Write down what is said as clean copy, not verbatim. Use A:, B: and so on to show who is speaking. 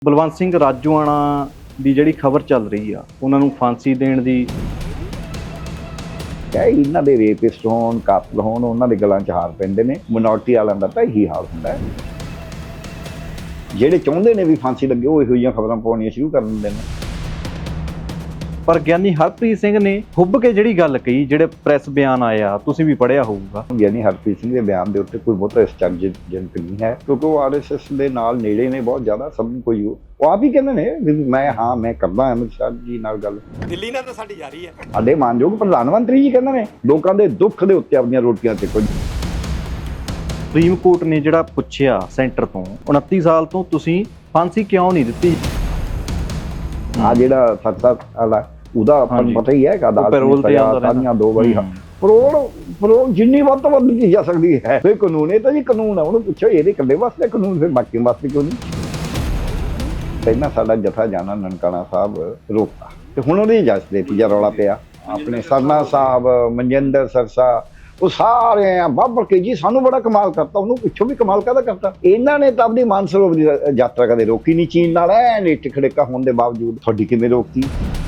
A: ਬਲਵੰਤ ਸਿੰਘ ਰਾਜੋਆਣਾ ਦੀ ਜਿਹੜੀ ਖਬਰ ਚੱਲ ਰਹੀ ਆ ਉਹਨਾਂ ਨੂੰ ਫਾਂਸੀ ਦੇਣ ਦੀ
B: ਇਹਨਾਂ ਦੇ ਰੇਪਿਸਟ ਹੋਣ, ਕਾਤਲ ਹੋਣ, ਉਹਨਾਂ ਦੇ ਗਲਾਂ 'ਚ ਹਾਰ ਪੈਂਦੇ ਨੇ। ਮਿਨੋਰਟੀ ਵਾਲਿਆਂ ਦਾ ਤਾਂ ਇਹੀ ਹਾਲ ਹੁੰਦਾ ਹੈ। ਜਿਹੜੇ ਚਾਹੁੰਦੇ ਨੇ ਵੀ ਫਾਂਸੀ ਲੱਗੇ ਉਹ ਇਹੋ ਜਿਹੀਆਂ ਖਬਰਾਂ ਪਾਉਣੀਆਂ ਸ਼ੁਰੂ ਕਰ ਦਿੰਦੇ ਨੇ।
A: ਪਰ ਗਿਆਨੀ ਹਰਪ੍ਰੀਤ ਸਿੰਘ ਨੇ ਹੁੱਬ ਕੇ ਜਿਹੜੀ ਗੱਲ ਕਹੀ, ਜਿਹੜੇ ਪ੍ਰੈਸ ਬਿਆਨ ਆਇਆ, ਤੁਸੀਂ ਵੀ ਪੜ੍ਹਿਆ ਹੋਊਗਾ।
B: ਗਿਆਨੀ ਹਰਪ੍ਰੀਤ ਸਿੰਘ ਦੇ ਬਿਆਨ ਦੇ ਉੱਤੇ ਕੋਈ ਬਹੁਤਾ ਚਰਚਾਜਨਕ ਨਹੀਂ ਹੈ, ਕਿਉਂਕਿ ਉਹ ਆਰਐਸਐਸ ਦੇ ਨਾਲ ਨੇੜੇ ਨੇ ਬਹੁਤ ਜ਼ਿਆਦਾ। ਸਭ ਨੂੰ ਕੋਈ ਉਹ ਆਪ ਹੀ ਕਹਿੰਦੇ ਨੇ ਵੀ ਮੈਂ ਕਰਦਾ ਅਮਿਤ ਸ਼ਾਹ ਜੀ ਨਾਲ ਗੱਲ।
C: ਦਿੱਲੀ ਨਾਲ ਤਾਂ ਸਾਡੀ ਜਾਰੀ ਹੈ।
B: ਸਾਡੇ ਮਾਨਯੋਗ ਪ੍ਰਧਾਨ ਮੰਤਰੀ ਜੀ ਕਹਿੰਦੇ ਨੇ ਲੋਕਾਂ ਦੇ ਦੁੱਖ ਦੇ ਉੱਤੇ ਆਪਣੀਆਂ ਰੋਟੀਆਂ ਤੇ ਕੁਝ।
A: ਸੁਪਰੀਮ ਕੋਰਟ ਨੇ ਜਿਹੜਾ ਪੁੱਛਿਆ ਸੈਂਟਰ ਤੋਂ 29 ਸਾਲ ਤੋਂ ਤੁਸੀਂ ਫਾਂਸੀ ਕਿਉਂ ਨਹੀਂ ਦਿੱਤੀ?
B: ਆ ਜਿਹੜਾ ਸਖਤ ਵਾਲਾ ਉਹਦਾ ਆਪਾਂ ਨੂੰ ਪਤਾ ਹੀ ਹੈ ਕਿ ਅਦਾਲਤ ਨੇ ਸਾਰੀਆਂ 2 ਵਾਰੀ ਪਰੋਲ ਜਿੰਨੀ ਵੱਧ ਤੋਂ ਵੱਧ ਕੀਤੀ ਜਾ ਸਕਦੀ ਹੈ। ਫਿਰ ਕਾਨੂੰਨ ਇਹ ਤਾਂ ਜੀ ਕਾਨੂੰਨ ਹੈ, ਉਹਨੂੰ ਪੁੱਛੋ ਇਹਦੇ ਇਕੱਲੇ ਵਾਸਤੇ ਕਾਨੂੰਨ, ਫਿਰ ਬਾਕੀ ਵਾਸਤੇ ਕਿਉਂ ਨਹੀਂ? ਪਹਿਲਾਂ ਸਾਡਾ ਜਥਾ ਜਾਣਾ ਨਨਕਾਣਾ ਸਾਹਿਬ ਰੋਕਤਾ ਤੇ ਹੁਣ ਉਹਦੀ ਇਜਾਜ਼ਤ ਦੇ ਤੀਜਾ ਰੌਲਾ ਪਿਆ। ਆਪਣੇ ਸਰਨਾ ਸਾਹਿਬ, ਮਨਜਿੰਦਰ ਸਰਸਾ, ਉਹ ਸਾਰੇ ਆ ਬਾਬਰ ਕੇ ਜੀ ਸਾਨੂੰ ਬੜਾ ਕਮਾਲ ਕਰਤਾ। ਉਹਨੂੰ ਪਿੱਛੋਂ ਵੀ ਕਮਾਲ ਕਾਹਦਾ ਕਰਤਾ? ਇਹਨਾਂ ਨੇ ਤਾਂ ਆਪਣੀ ਮਾਨਸਰੋਵਰ ਦੀ ਯਾਤਰਾ ਕਦੇ ਰੋਕੀ ਨਹੀਂ ਚੀਨ ਨਾਲ, ਐ ਨੇਟ ਖੜੇਕਾ ਹੋਣ ਦੇ ਬਾਵਜੂਦ। ਤੁਹਾਡੀ ਕਿਵੇਂ ਰੋਕਤੀ?